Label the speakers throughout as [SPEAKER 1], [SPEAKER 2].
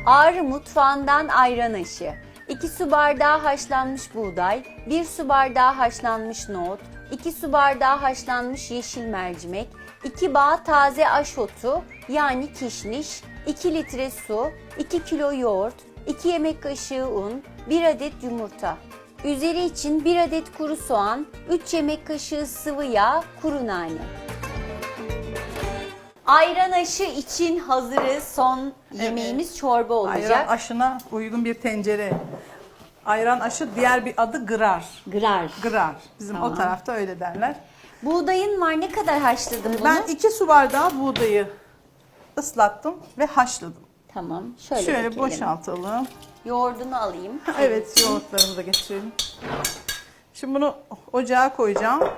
[SPEAKER 1] Ağrı mutfağından ayran aşı. 2 su bardağı haşlanmış buğday, 1 su bardağı haşlanmış nohut, 2 su bardağı haşlanmış yeşil mercimek, 2 bağ taze aşotu yani kişniş, 2 litre su, 2 kilo yoğurt, 2 yemek kaşığı un, 1 adet yumurta. Üzeri için 1 adet kuru soğan, 3 yemek kaşığı sıvı yağ, kuru nane. Ayran aşı için hazırız. Son yemeğimiz çorba olacak.
[SPEAKER 2] Ayran aşına uygun bir tencere. Ayran aşı diğer bir adı gırar.
[SPEAKER 1] Gırar.
[SPEAKER 2] Gırar. Bizim
[SPEAKER 1] Tamam.
[SPEAKER 2] o tarafta öyle derler.
[SPEAKER 1] Buğdayın var, ne kadar haşladın bunu?
[SPEAKER 2] Ben 2 su bardağı buğdayı ıslattım ve haşladım.
[SPEAKER 1] Tamam. Şöyle
[SPEAKER 2] Şöyle
[SPEAKER 1] dökelim.
[SPEAKER 2] boşaltalım.
[SPEAKER 1] Yoğurdunu alayım.
[SPEAKER 2] Evet, yoğurtlarımızı da geçirelim. Şimdi bunu ocağa koyacağım.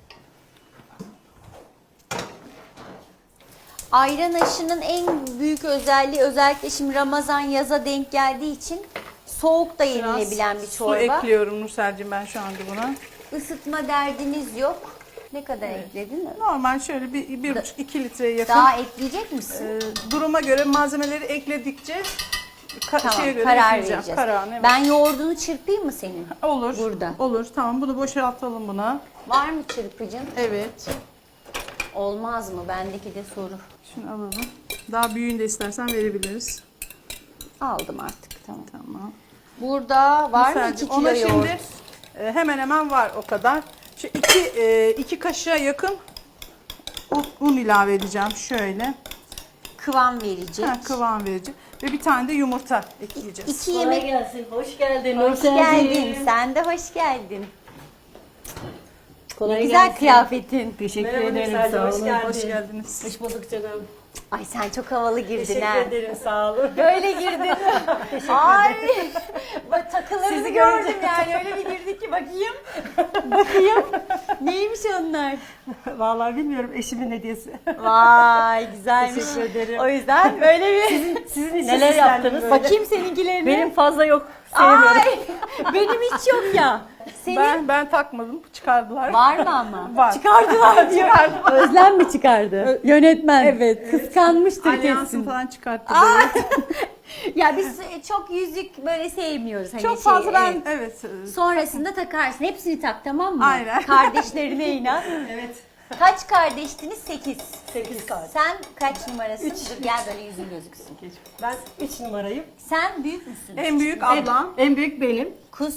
[SPEAKER 1] Ayran aşının en büyük özelliği, özellikle şimdi Ramazan yaza denk geldiği için soğuk da yenilebilen bir çorba.
[SPEAKER 2] Su ekliyorum Nursel'cim ben şu anda buna.
[SPEAKER 1] Isıtma derdiniz yok. Ne kadar ekledin?
[SPEAKER 2] Normal şöyle bir buçuk 2 litreye yakın.
[SPEAKER 1] Daha ekleyecek misin?
[SPEAKER 2] Duruma göre malzemeleri ekledikçe
[SPEAKER 1] Tamam,
[SPEAKER 2] şeye göre
[SPEAKER 1] karar
[SPEAKER 2] ekleyeceğim.
[SPEAKER 1] vereceğiz.
[SPEAKER 2] Kararını, evet.
[SPEAKER 1] Ben yoğurdunu çırpayım mı senin?
[SPEAKER 2] Olur.
[SPEAKER 1] Burada.
[SPEAKER 2] Olur. Tamam, bunu boşaltalım buna.
[SPEAKER 1] Var mı çırpıcın?
[SPEAKER 2] Evet.
[SPEAKER 1] Olmaz mı? Bendeki de soru.
[SPEAKER 2] Şunu alalım. Daha büyüğünü de istersen verebiliriz.
[SPEAKER 1] Aldım artık, tamam.
[SPEAKER 2] Tamam.
[SPEAKER 1] Burada var mı
[SPEAKER 2] Nursel'cim,
[SPEAKER 1] 2 kilo
[SPEAKER 2] ona
[SPEAKER 1] yoğurt?
[SPEAKER 2] şimdi hemen hemen var o kadar. Şu iki kaşığa yakın un ilave edeceğim şöyle.
[SPEAKER 1] Kıvam verecek.
[SPEAKER 2] Kıvam verici. Ve bir tane de yumurta ekleyeceğiz.
[SPEAKER 1] 2
[SPEAKER 3] Kolay
[SPEAKER 1] yemek.
[SPEAKER 3] gelsin. Hoş geldin.
[SPEAKER 1] Hoş geldin. Sen de hoş geldin.
[SPEAKER 3] Kolay
[SPEAKER 1] Ne güzel
[SPEAKER 3] gelsin.
[SPEAKER 1] kıyafetin.
[SPEAKER 3] Teşekkür
[SPEAKER 2] Merhaba
[SPEAKER 3] ederim.
[SPEAKER 2] Nursel'cim,
[SPEAKER 3] Sağ
[SPEAKER 2] hoş
[SPEAKER 3] olun.
[SPEAKER 2] geldin. Hoş geldiniz.
[SPEAKER 3] Hoş bulduk canım.
[SPEAKER 1] Ay sen çok havalı girdin
[SPEAKER 3] Teşekkür
[SPEAKER 1] ha.
[SPEAKER 3] ederim. Sağ olun.
[SPEAKER 1] Böyle girdin. Ay. Bak takılarını
[SPEAKER 3] Sizi
[SPEAKER 1] gördüm
[SPEAKER 3] görünce.
[SPEAKER 1] yani. Öyle bir girdi ki bakayım. Bakayım. Neymiş onlar?
[SPEAKER 3] Vallahi bilmiyorum, eşimin hediyesi.
[SPEAKER 1] Vay güzelmiş.
[SPEAKER 3] Teşekkür ederim.
[SPEAKER 1] O yüzden böyle bir
[SPEAKER 3] Sizin için
[SPEAKER 1] neler
[SPEAKER 3] süslendim
[SPEAKER 1] yaptınız?
[SPEAKER 3] böyle.
[SPEAKER 1] Bakayım seninkilerini.
[SPEAKER 3] Benim fazla yok. Sevmiyorum.
[SPEAKER 1] Ay benim hiç yok ya. Senin
[SPEAKER 2] Ben takmadım. Çıkardılar.
[SPEAKER 1] var mı ama?
[SPEAKER 2] Var.
[SPEAKER 1] Çıkardılar diyor. Özlem mi çıkardı? Yönetmen. Evet. Kıskanmıştır
[SPEAKER 2] Alyansını
[SPEAKER 1] kesin.
[SPEAKER 2] falan çıkarttı.
[SPEAKER 1] Ay. Ya biz çok yüzük böyle sevmiyoruz. Hani
[SPEAKER 2] Çok fazla ben
[SPEAKER 1] evet.
[SPEAKER 2] evet.
[SPEAKER 1] Sonrasında takarsın. Hepsini tak, tamam mı?
[SPEAKER 2] Aynen.
[SPEAKER 1] Kardeşlerine inan.
[SPEAKER 3] Evet.
[SPEAKER 1] Kaç kardeştiniz? 8.
[SPEAKER 3] 8 kart.
[SPEAKER 1] Sen kaç numarasın? Dur, gel böyle yüzün gözüksün.
[SPEAKER 3] Ben 3 numarayım.
[SPEAKER 1] Sen büyük müsün?
[SPEAKER 2] En büyük ablam.
[SPEAKER 3] En büyük benim.
[SPEAKER 1] Kus.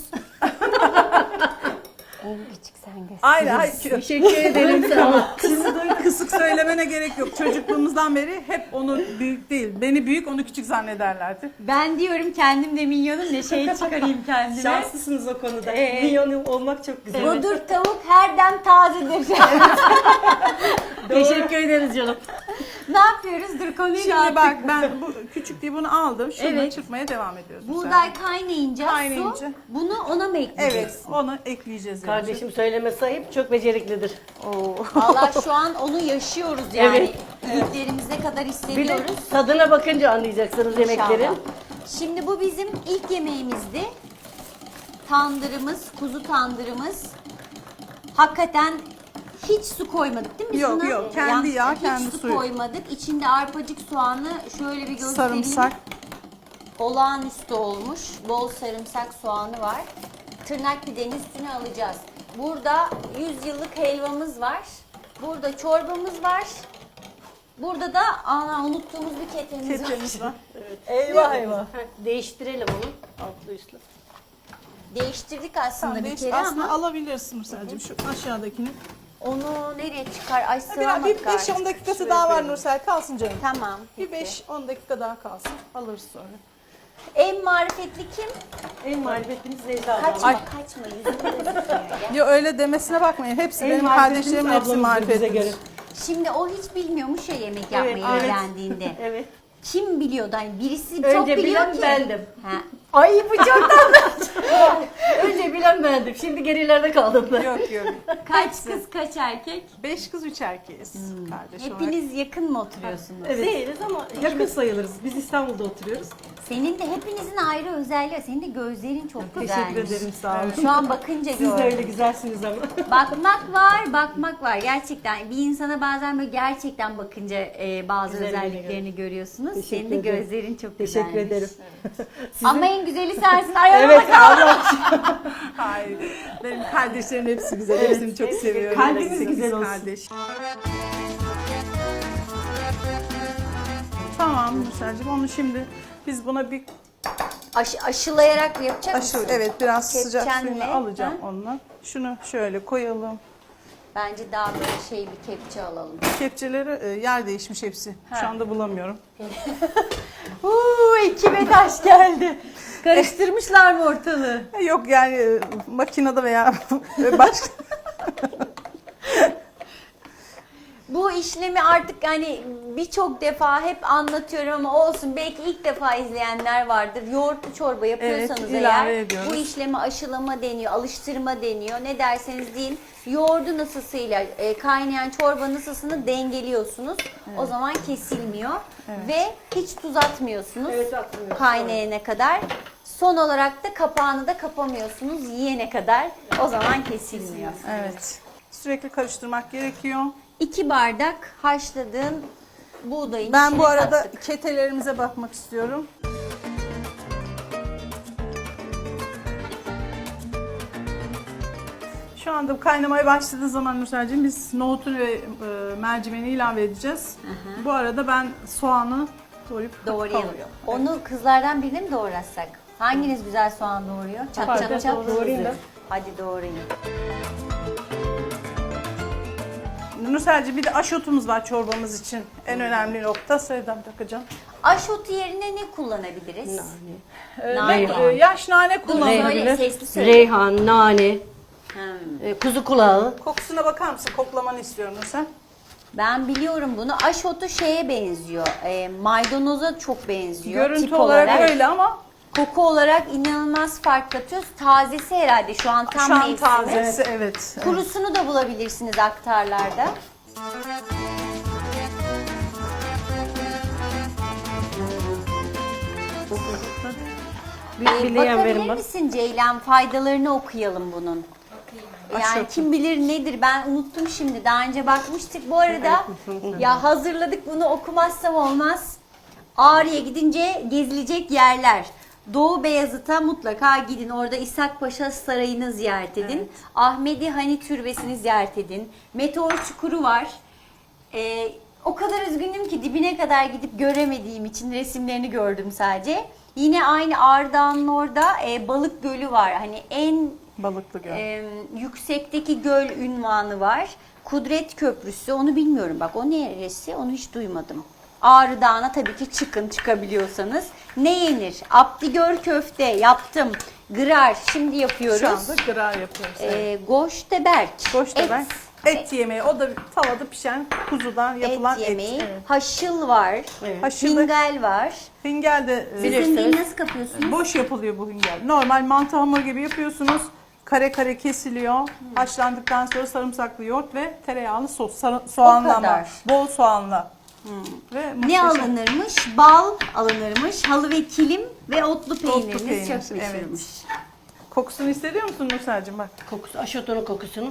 [SPEAKER 1] En küçük sen göster.
[SPEAKER 2] Aynen.
[SPEAKER 3] Teşekkür ederim. Sağ olun.
[SPEAKER 2] Kısık söylemene gerek yok. Çocukluğumuzdan beri hep onu büyük değil. Beni büyük, onu küçük zannederlerdi.
[SPEAKER 1] Ben diyorum kendim de minyonum, ne şey çıkarayım kendime.
[SPEAKER 3] Şanslısınız o konuda. Milyon olmak çok güzel.
[SPEAKER 1] Budur tavuk her dem tazedir.
[SPEAKER 3] Teşekkür ederiz canım.
[SPEAKER 1] Ne yapıyoruz? Dur konuyu
[SPEAKER 2] Şimdi
[SPEAKER 1] dağıttık.
[SPEAKER 2] bak ben bu küçük diye bunu aldım. Şunu
[SPEAKER 1] Evet.
[SPEAKER 2] çırpmaya devam ediyoruz.
[SPEAKER 1] Buğday kaynayınca,
[SPEAKER 2] Kaynayınca.
[SPEAKER 1] su, bunu ona mı ekleyeceksin?
[SPEAKER 2] Evet, onu ekleyeceğiz. yani.
[SPEAKER 3] Kardeşim söyleme sahip, çok beceriklidir.
[SPEAKER 1] Valla şu an onu yaşıyoruz yani.
[SPEAKER 3] Evet.
[SPEAKER 1] Büyüklerimiz ne kadar
[SPEAKER 3] Bir de
[SPEAKER 1] hissediyoruz.
[SPEAKER 3] tadına bakınca anlayacaksınız yemeklerin.
[SPEAKER 1] İnşallah. Şimdi bu bizim ilk yemeğimizdi. Tandırımız, kuzu tandırımız. Hakikaten hiç su koymadık değil mi?
[SPEAKER 2] Yok,
[SPEAKER 1] Suna?
[SPEAKER 2] yok. Kendi yağ, kendi
[SPEAKER 1] hiç su
[SPEAKER 2] suyu.
[SPEAKER 1] koymadık. İçinde arpacık soğanı şöyle bir göstereyim.
[SPEAKER 2] Sarımsak.
[SPEAKER 1] Olağanüstü olmuş. Bol sarımsak soğanı var. Tırnak pidenin üstüne alacağız. Burada 100 yıllık helvamız var. Burada çorbamız var. Burada da unuttuğumuz bir ketemiz var.
[SPEAKER 2] Ketçemiz var.
[SPEAKER 3] Eyvah eyvah. Değiştirelim onu. Altlı üstlü.
[SPEAKER 1] Değiştirdik aslında
[SPEAKER 2] Tamam,
[SPEAKER 1] bir kere
[SPEAKER 2] aslında
[SPEAKER 1] ama
[SPEAKER 2] alabilirsin Nursel'cim şu aşağıdakini.
[SPEAKER 1] onu nereye çıkar? Ay
[SPEAKER 2] Bir
[SPEAKER 1] sığamadık
[SPEAKER 2] 5-10
[SPEAKER 1] artık.
[SPEAKER 2] dakikası daha var Nursel, kalsın canım.
[SPEAKER 1] Tamam.
[SPEAKER 2] Bir
[SPEAKER 1] peki.
[SPEAKER 2] 5-10 dakika daha kalsın. Alırız sonra.
[SPEAKER 1] En marifetli kim?
[SPEAKER 3] En marifetlimiz Necla
[SPEAKER 1] Kaçma
[SPEAKER 3] ablam.
[SPEAKER 1] kaçma yüzünü gözükmüyor ya.
[SPEAKER 2] Ya öyle demesine bakmayın. Hepsi
[SPEAKER 3] En
[SPEAKER 2] benim
[SPEAKER 3] marifetlimiz
[SPEAKER 2] kardeşlerim hepsi
[SPEAKER 3] ablamızdır bize
[SPEAKER 2] marifetli.
[SPEAKER 3] göre.
[SPEAKER 1] Şimdi o hiç bilmiyormuş ya yemek yapmayı
[SPEAKER 3] evet.
[SPEAKER 1] öğrendiğinde.
[SPEAKER 3] Evet.
[SPEAKER 1] Kim biliyordu? Hani birisi çok
[SPEAKER 3] Önce
[SPEAKER 1] biliyor
[SPEAKER 3] bilen
[SPEAKER 1] ki.
[SPEAKER 3] bendim.
[SPEAKER 1] Ha. Ay bu çok tatlı.
[SPEAKER 3] Önce bilen bendim. Şimdi gerilerde kaldım ben.
[SPEAKER 2] Yok yok.
[SPEAKER 1] Kaç kız kaç erkek?
[SPEAKER 2] 5 kız 3 erkeğiz kardeş olarak.
[SPEAKER 1] Hepiniz yakın mı oturuyorsunuz?
[SPEAKER 3] Evet. Değiliz ama yakın sayılırız. Biz İstanbul'da oturuyoruz.
[SPEAKER 1] Senin de hepinizin ayrı özelliği var. Senin de gözlerin çok güzelmiş.
[SPEAKER 3] Teşekkür ederim, sağ olun.
[SPEAKER 1] Şu an bakınca
[SPEAKER 3] Siz de
[SPEAKER 1] gördüm.
[SPEAKER 3] öyle güzelsiniz ama.
[SPEAKER 1] Bakmak var. Gerçekten bir insana bazen böyle gerçekten bakınca bazı
[SPEAKER 3] Güzelliğini
[SPEAKER 1] özelliklerini görüyorsunuz.
[SPEAKER 3] Teşekkür
[SPEAKER 1] Senin de
[SPEAKER 3] ederim.
[SPEAKER 1] gözlerin çok
[SPEAKER 3] Teşekkür
[SPEAKER 1] güzelmiş.
[SPEAKER 3] ederim.
[SPEAKER 1] Ama en güzeli sensin. Ayağına
[SPEAKER 3] Evet,
[SPEAKER 1] bak.
[SPEAKER 3] Allah
[SPEAKER 2] Hayır. Benim kardeşlerim hepsi güzel. Hepsini çok seviyorum.
[SPEAKER 3] Kalbiniz
[SPEAKER 2] Sekiz
[SPEAKER 3] güzel olsun.
[SPEAKER 2] kardeş. Tamam Nursel'cim, onu şimdi biz buna bir
[SPEAKER 1] Aşılayarak yapacak
[SPEAKER 2] aşı,
[SPEAKER 1] mısın?
[SPEAKER 2] evet biraz sıcak
[SPEAKER 1] Kepçenle,
[SPEAKER 2] suyunu alacağım
[SPEAKER 1] ha?
[SPEAKER 2] onunla. Şunu şöyle koyalım.
[SPEAKER 1] Bence daha böyle bir kepçe alalım.
[SPEAKER 2] Kepçeleri yer değişmiş hepsi. Şu anda bulamıyorum.
[SPEAKER 1] Ekibe taş geldi. Karıştırmışlar mı ortalığı?
[SPEAKER 2] Yok yani makinede veya başka.
[SPEAKER 1] Bu işlemi artık hani birçok defa hep anlatıyorum ama olsun, belki ilk defa izleyenler vardır. Yoğurtlu çorba yapıyorsanız
[SPEAKER 2] Evet, ilave
[SPEAKER 1] eğer
[SPEAKER 2] ediyoruz.
[SPEAKER 1] bu işlemi aşılama deniyor, alıştırma deniyor. Ne derseniz deyin, yoğurdun ısısıyla kaynayan çorbanın ısısını dengeliyorsunuz. O zaman kesilmiyor ve hiç tuz atmıyorsunuz
[SPEAKER 3] Evet, atmıyoruz.
[SPEAKER 1] kaynayana kadar. Son olarak da kapağını da kapamıyorsunuz yiyene kadar. O zaman kesilmiyor.
[SPEAKER 2] Evet. Sürekli karıştırmak gerekiyor.
[SPEAKER 1] 2 bardak haşladığın buğdayın
[SPEAKER 2] Ben
[SPEAKER 1] içine
[SPEAKER 2] bu arada
[SPEAKER 1] kattık.
[SPEAKER 2] ketelerimize bakmak istiyorum. Şu anda kaynamaya başladığı zaman Nursel'cim biz nohutu ve mercimeğini ilave edeceğiz. Bu arada ben soğanı
[SPEAKER 1] Doğrayalım.
[SPEAKER 2] kavuruyorum.
[SPEAKER 1] Onu kızlardan birine mi doğratsak? Hanginiz güzel soğan doğuruyor? Çat
[SPEAKER 2] Fark
[SPEAKER 1] çat
[SPEAKER 2] et,
[SPEAKER 1] çat.
[SPEAKER 3] doğrayayım ben.
[SPEAKER 1] Hadi doğrayın.
[SPEAKER 2] Nursel'cim bir de aşotumuz var çorbamız için. En önemli nokta. Sevdam takacağım.
[SPEAKER 1] Aşotu yerine ne kullanabiliriz?
[SPEAKER 2] Ben
[SPEAKER 1] Nane.
[SPEAKER 2] yaş nane
[SPEAKER 1] Dur
[SPEAKER 2] kullanıyorum.
[SPEAKER 1] söyle, sesli söyle.
[SPEAKER 3] Reyhan, nane,
[SPEAKER 1] Hmm.
[SPEAKER 3] kuzu kulağı.
[SPEAKER 2] Kokusuna bakar mısın? Koklamanı istiyorum Nursel.
[SPEAKER 1] Ben biliyorum bunu. Aşotu şeye benziyor. Maydanoza çok benziyor.
[SPEAKER 2] Görüntü
[SPEAKER 1] tip
[SPEAKER 2] olarak öyle ama
[SPEAKER 1] Koku olarak inanılmaz fark katıyoruz. Tazesi herhalde şu an tam
[SPEAKER 2] şu an
[SPEAKER 1] mevsimi.
[SPEAKER 2] tazesi evet.
[SPEAKER 1] Kurusunu da bulabilirsiniz aktarlarda.
[SPEAKER 3] Bileyen verin
[SPEAKER 1] Bakabilir
[SPEAKER 3] bak.
[SPEAKER 1] misin Ceylan? Faydalarını okuyalım bunun. Yani
[SPEAKER 2] Aşağı.
[SPEAKER 1] kim bilir nedir, ben unuttum şimdi. Daha önce bakmıştık. Bu arada ya hazırladık, bunu okumazsam olmaz. Ağrı'ya gidince gezilecek yerler. Doğu Beyazıt'a mutlaka gidin. Orada İshak Paşa Sarayı'nı ziyaret edin.
[SPEAKER 2] Evet.
[SPEAKER 1] Ahmedi Hani Türbesi'ni ziyaret edin. Meteor Çukuru var. O kadar üzgünüm ki dibine kadar gidip göremediğim için resimlerini gördüm sadece. Yine aynı Ağrı Dağı'nın orada Balık Gölü var. Hani en
[SPEAKER 2] Balıklı göl.
[SPEAKER 1] yüksekteki göl ünvanı var. Kudret Köprüsü, onu bilmiyorum bak, o neresi, onu hiç duymadım. Ağrı Dağı'na tabii ki çıkın, çıkabiliyorsanız. Ne yenir? Abdigör köfte yaptım. Gırar şimdi yapıyoruz.
[SPEAKER 2] Şu anda gırar yapıyoruz. Evet.
[SPEAKER 1] Goşteberk.
[SPEAKER 2] Goşteberk. Et yemeği. O da tavada pişen kuzudan yapılan et.
[SPEAKER 1] yemeği.
[SPEAKER 2] Evet.
[SPEAKER 1] Haşıl var.
[SPEAKER 3] Evet.
[SPEAKER 2] Haşılı.
[SPEAKER 1] Hingel var.
[SPEAKER 2] Hingel de
[SPEAKER 1] Sizin değil, nasıl kapıyorsunuz?
[SPEAKER 2] boş yapılıyor bu hingel. Normal mantı hamur gibi yapıyorsunuz. Kare kare kesiliyor. Haşlandıktan sonra sarımsaklı yoğurt ve tereyağlı sos. Soğanla ama.
[SPEAKER 1] kadar.
[SPEAKER 2] Bol soğanla. Ve
[SPEAKER 1] Ne
[SPEAKER 2] muhteşem.
[SPEAKER 1] alınırmış? Bal alınırmış. Halı ve kilim ve otlu peyniriniz
[SPEAKER 2] peynir,
[SPEAKER 1] çok meşhurmuş.
[SPEAKER 2] Kokusunu hissediyor musun Nursel'cim bak?
[SPEAKER 3] Kokusu, aşotunun kokusunu.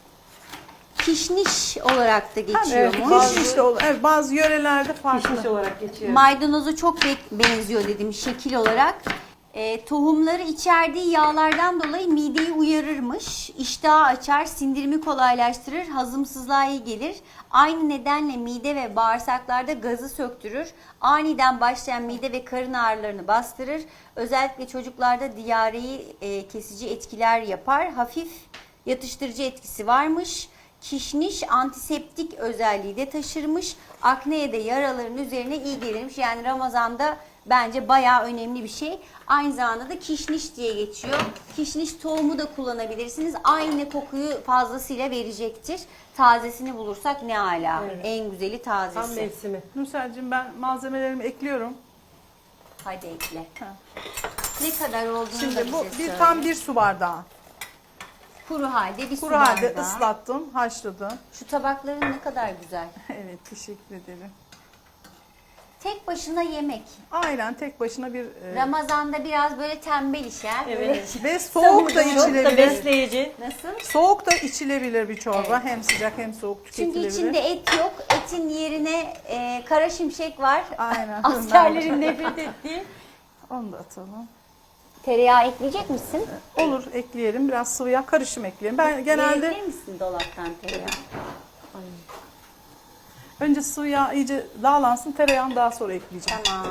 [SPEAKER 1] Kişniş olarak da
[SPEAKER 2] Evet,
[SPEAKER 1] geçiyormuş.
[SPEAKER 2] evet, bazı yörelerde farklı.
[SPEAKER 3] Pişmiş olarak geçiyor.
[SPEAKER 1] Maydanoza çok benziyor dedim şekil olarak. Tohumları içerdiği yağlardan dolayı mideyi uyarırmış. İştahı açar, sindirimi kolaylaştırır, hazımsızlığa iyi gelir. Aynı nedenle mide ve bağırsaklarda gazı söktürür. Aniden başlayan mide ve karın ağrılarını bastırır. Özellikle çocuklarda diyareyi kesici etkiler yapar. Hafif yatıştırıcı etkisi varmış. Kişniş antiseptik özelliği de taşırmış. Akneye de yaraların üzerine iyi gelirmiş. Yani Ramazan'da bence bayağı önemli bir şey. Aynı zamanda da kişniş diye geçiyor. Kişniş tohumu da kullanabilirsiniz. Aynı kokuyu fazlasıyla verecektir. Tazesini bulursak ne ala.
[SPEAKER 3] Evet.
[SPEAKER 1] En güzeli
[SPEAKER 3] Tam
[SPEAKER 1] tazesi.
[SPEAKER 3] mevsimi.
[SPEAKER 2] Nursel'cim ben malzemelerimi ekliyorum.
[SPEAKER 1] Hadi ekle.
[SPEAKER 2] Ha.
[SPEAKER 1] Ne kadar olduğunu da
[SPEAKER 2] Şimdi bu
[SPEAKER 1] bize söyle.
[SPEAKER 2] tam bir su bardağı.
[SPEAKER 1] Kuru halde bir su
[SPEAKER 2] Kuru halde
[SPEAKER 1] bardağı.
[SPEAKER 2] ıslattım, haşladım.
[SPEAKER 1] Şu tabakların ne kadar güzel.
[SPEAKER 2] Evet, teşekkür ederim.
[SPEAKER 1] Tek başına yemek.
[SPEAKER 2] Aynen tek başına bir
[SPEAKER 1] Ramazan'da biraz böyle tembel işler.
[SPEAKER 3] Evet.
[SPEAKER 2] ve soğuk da
[SPEAKER 3] Çok da
[SPEAKER 2] içilebilir.
[SPEAKER 3] besleyici.
[SPEAKER 1] Nasıl?
[SPEAKER 2] Soğuk da içilebilir bir çorba. Hem sıcak hem soğuk
[SPEAKER 1] Çünkü
[SPEAKER 2] tüketilebilir.
[SPEAKER 1] içinde et yok. Etin yerine kara şimşek var.
[SPEAKER 2] Aynen.
[SPEAKER 1] Askerlerin nefret ettiği.
[SPEAKER 2] Onu da atalım.
[SPEAKER 1] Tereyağı ekleyecek misin?
[SPEAKER 2] Olur, ekleyelim. Biraz sıvı yağ karışım ekleyelim. Ben genelde
[SPEAKER 1] Verebilir misin dolaptan tereyağı?
[SPEAKER 2] önce sıvı yağ iyice dağlansın, tereyağını daha sonra ekleyeceğim.
[SPEAKER 1] Tamam.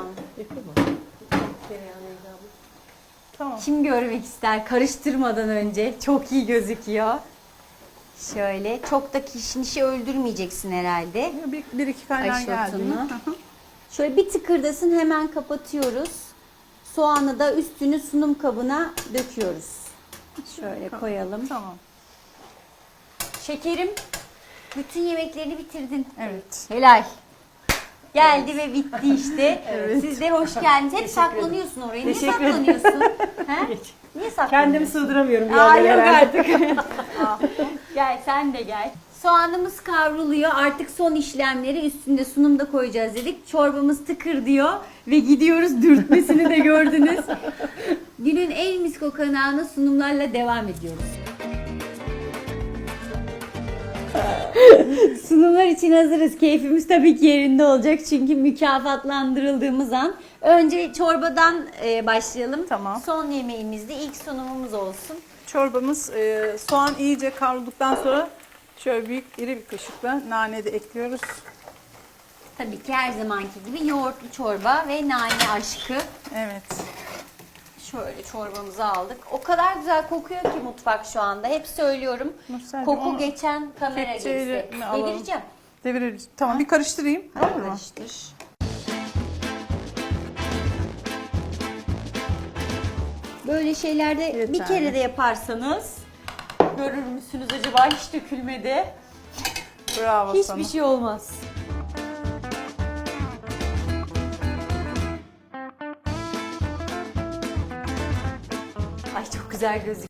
[SPEAKER 2] Tamam.
[SPEAKER 1] Kim görmek ister karıştırmadan önce? Çok iyi gözüküyor. Şöyle. Çok da kişnişi öldürmeyeceksin herhalde.
[SPEAKER 2] Bir iki kaynar geldi.
[SPEAKER 1] Ayşotunu.
[SPEAKER 2] mi?
[SPEAKER 1] Şöyle bir tıkırdasın, hemen kapatıyoruz. Soğanı da üstünü sunum kabına döküyoruz. Şöyle koyalım.
[SPEAKER 2] Tamam.
[SPEAKER 1] Şekerim, bütün yemeklerini bitirdin.
[SPEAKER 2] Evet.
[SPEAKER 1] Helal. Geldi ve bitti işte.
[SPEAKER 2] Evet.
[SPEAKER 1] Siz de hoş geldiniz. Hep saklanıyorsun oraya. Niye
[SPEAKER 3] Teşekkür ederim.
[SPEAKER 1] saklanıyorsun? He? Niye saklanıyorsun?
[SPEAKER 3] Kendimi sığdıramıyorum bir
[SPEAKER 1] Aa,
[SPEAKER 3] yerlere
[SPEAKER 1] yok
[SPEAKER 3] herhalde.
[SPEAKER 1] artık. Gel sen de gel. Soğanımız kavruluyor. Artık son işlemleri üstünde sunumda koyacağız dedik. Çorbamız tıkır diyor ve gidiyoruz. Dürtmesini de gördünüz. Günün en mis kokanağına sunumlarla devam ediyoruz. Sunumlar için hazırız. Keyfimiz tabii ki yerinde olacak. Çünkü mükafatlandırıldığımız an. Önce çorbadan başlayalım.
[SPEAKER 2] Tamam.
[SPEAKER 1] Son yemeğimiz de ilk sunumumuz olsun.
[SPEAKER 2] Çorbamız soğan iyice kavrulduktan sonra şöyle büyük iri bir kaşıkla nane de ekliyoruz.
[SPEAKER 1] Tabii ki her zamanki gibi yoğurtlu çorba ve nane aşkı.
[SPEAKER 2] Evet.
[SPEAKER 1] Şöyle çorbamızı aldık. O kadar güzel kokuyor ki mutfak şu anda. Hep söylüyorum.
[SPEAKER 2] Nursel'cim,
[SPEAKER 1] Koku
[SPEAKER 2] onu
[SPEAKER 1] geçen kamera
[SPEAKER 2] kepçeyle
[SPEAKER 1] geçse.
[SPEAKER 2] mi alalım?
[SPEAKER 1] Devireceğim.
[SPEAKER 2] Deviririz. Tamam, bir karıştırayım. Olur mu?
[SPEAKER 1] Karıştır. Böyle şeylerde
[SPEAKER 2] Yeterli.
[SPEAKER 1] bir kere de yaparsanız görür müsünüz acaba, hiç dökülmedi.
[SPEAKER 2] Bravo sana.
[SPEAKER 1] Hiçbir şey olmaz. Ay çok güzel gözüküyor.